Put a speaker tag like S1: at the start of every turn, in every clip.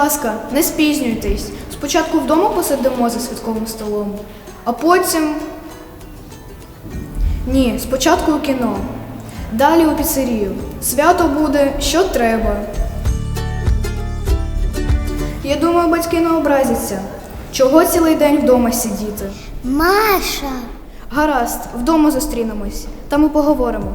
S1: ласка, не спізнюйтесь. Спочатку вдома посидимо за святковим столом, а потім… Ні, спочатку у кіно. Далі у піцерію. Свято буде, що треба. Я думаю, батьки не образяться. Чого цілий день вдома сидіти?
S2: Маша!
S1: Гаразд, вдома зустрінемось. Там і поговоримо.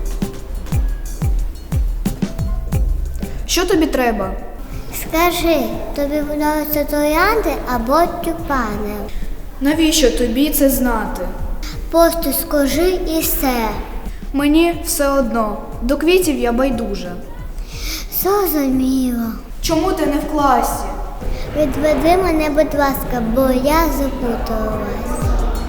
S1: Що тобі треба?
S2: Скажи, тобі подобаються троянди або тюльпани?
S1: Навіщо тобі це знати?
S2: Просто скажи і все.
S1: Мені все одно. До квітів я байдужа.
S2: Зрозуміло.
S1: Чому ти не в класі?
S2: Відведи мене, будь ласка, бо я запуталась.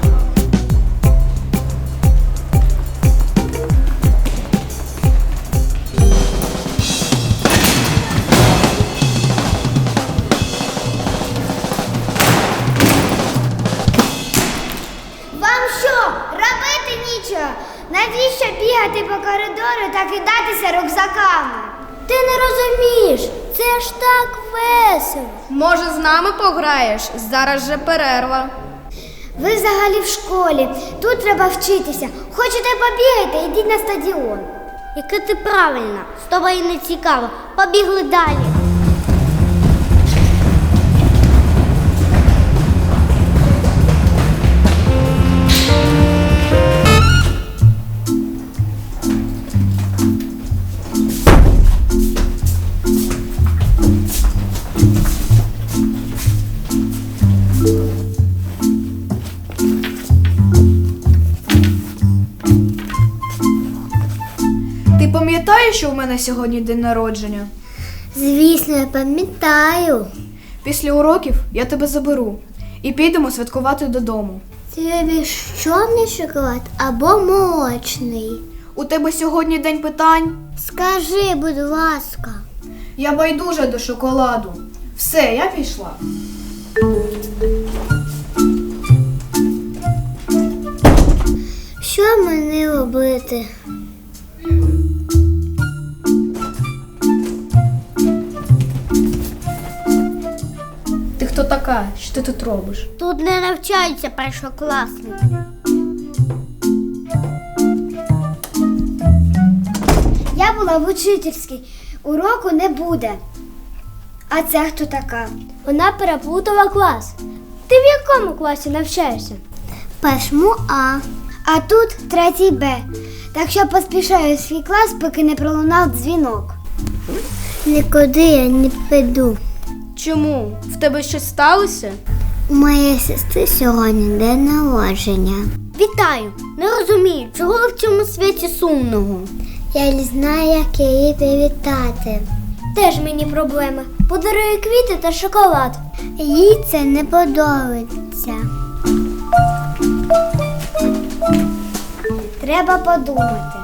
S3: Вам що, робити нічого? Навіщо бігати по коридору та кидатися рюкзаками?
S2: Ти не розумієш, це ж так весело.
S4: Може, з нами пограєш? Зараз же перерва.
S3: Ви взагалі в школі, тут треба вчитися. Хочете побігати, йдіть на стадіон.
S2: Яке ти правильна, з тобою не цікаво. Побігли далі.
S1: Ти пам'ятаєш, що в мене сьогодні день народження?
S2: Звісно, я пам'ятаю.
S1: Після уроків я тебе заберу і підемо святкувати додому.
S2: Тобі чорний шоколад або молочний?
S1: У тебе сьогодні день питань?
S2: Скажи, будь ласка.
S1: Я байдужа до шоколаду. Все, я пішла.
S2: Що мені робити?
S1: Ти хто така? Що ти тут робиш?
S2: Тут не навчаються першокласники.
S3: Я була в учительській, уроку не буде. А це хто така?
S2: Вона переплутала клас. Ти в якому класі навчаєшся? Першому А.
S3: А тут третій Б. Так що поспішаю в свій клас, поки не пролунав дзвінок.
S2: Нікуди я не піду.
S4: Чому? В тебе щось сталося?
S2: У моєї сестри сьогодні день народження. Вітаю! Не розумію, чого в цьому світі сумного? Я не знаю, як її привітати. Теж мені проблема. Подарую квіти та шоколад. Їй це не подобається.
S3: Треба подумати.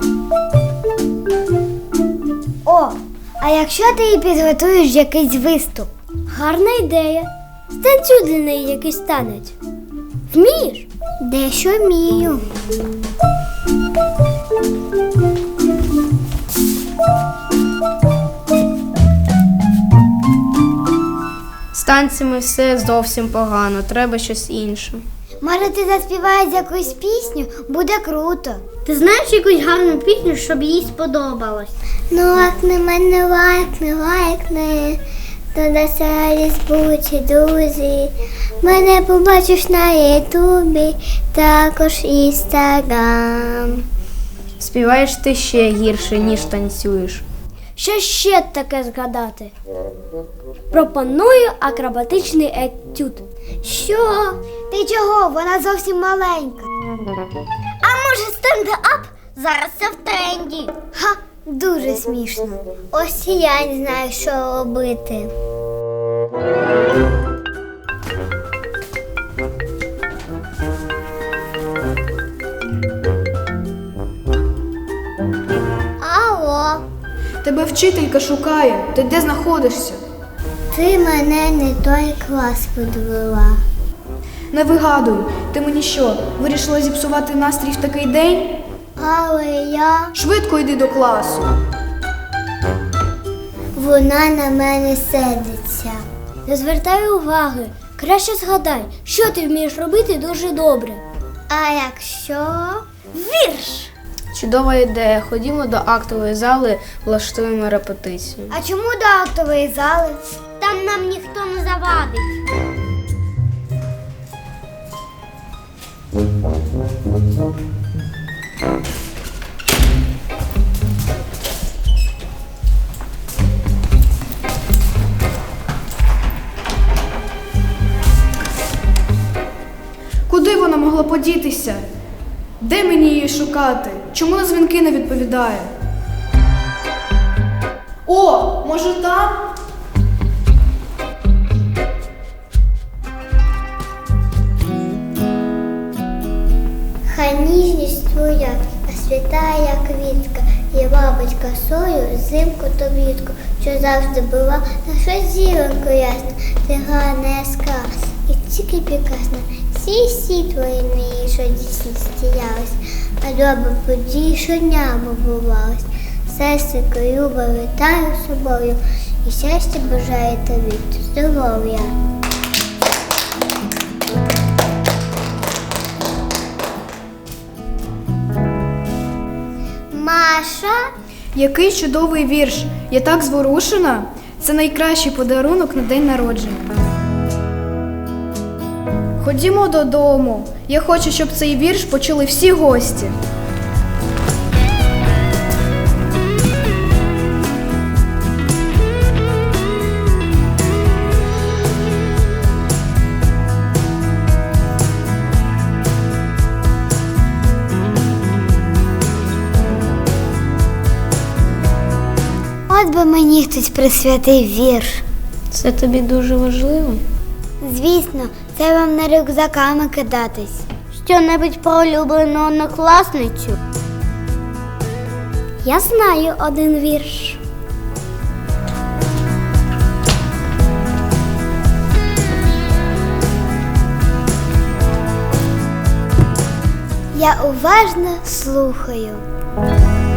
S3: О, а якщо ти їй підготуєш якийсь виступ?
S2: Гарна ідея. Станцюй для неї якийсь танець. Вмієш? Дещо вмію.
S4: З танцями все зовсім погано, треба щось інше.
S3: Може, ти заспіваєш якусь пісню? Буде круто.
S2: Ти знаєш якусь гарну пісню, щоб їй сподобалось? Ну, лайкни мене, лайкни, то на Фейсбуці, друзі. Мене побачиш на Ютубі, також Інстаграм.
S4: Співаєш ти ще гірше, ніж танцюєш.
S2: Що ще таке згадати? Пропоную акробатичний етюд. Що?
S3: Ти чого? Вона зовсім маленька.
S2: А може стендап? Зараз це в тренді.
S3: Ха, дуже смішно.
S2: Ось і я не знаю, що робити. Алло,
S1: Тебе вчителька шукає. Ти де знаходишся?
S2: ти мене не той клас підвела.
S1: Не вигадуй. Ти мені що, вирішила зіпсувати настрій в такий день?
S2: Але я...
S1: Швидко йди до класу.
S2: Вона на мене сердиться. Не звертай уваги. Краще згадай, що ти вмієш робити дуже добре. А якщо вірш?
S4: Чудова ідея. Ходімо до актової зали, влаштуємо репетицію.
S3: А чому до актової зали?
S2: Там нам ніхто не завадить.
S1: Куди вона могла подітися? Де мені її шукати? Чому на дзвінки не відповідає? О, може там?
S2: Хай ніжність твоя, а свята, як квітка, є бабить косою, зимку то влітку, що завжди була наша зіронько ясна, ти гарна яскра, і тільки прекрасна. Всі твої мрії, що дійсності явись, а добре події щодня бувалось. Серденько любо вітаю з собою, і щастя бажаю тобі, здоров'я. Маша?
S1: Який чудовий вірш! Я так зворушена! Це найкращий подарунок на день народження. Ходімо додому. Я хочу, щоб цей вірш почули всі гості.
S2: От би мені хтось присвятив вірш.
S4: Це тобі дуже важливо?
S2: Звісно, це вам не рюкзаками кидатись. Що-небудь про улюблену однокласницю? Я знаю один вірш. Я уважно слухаю.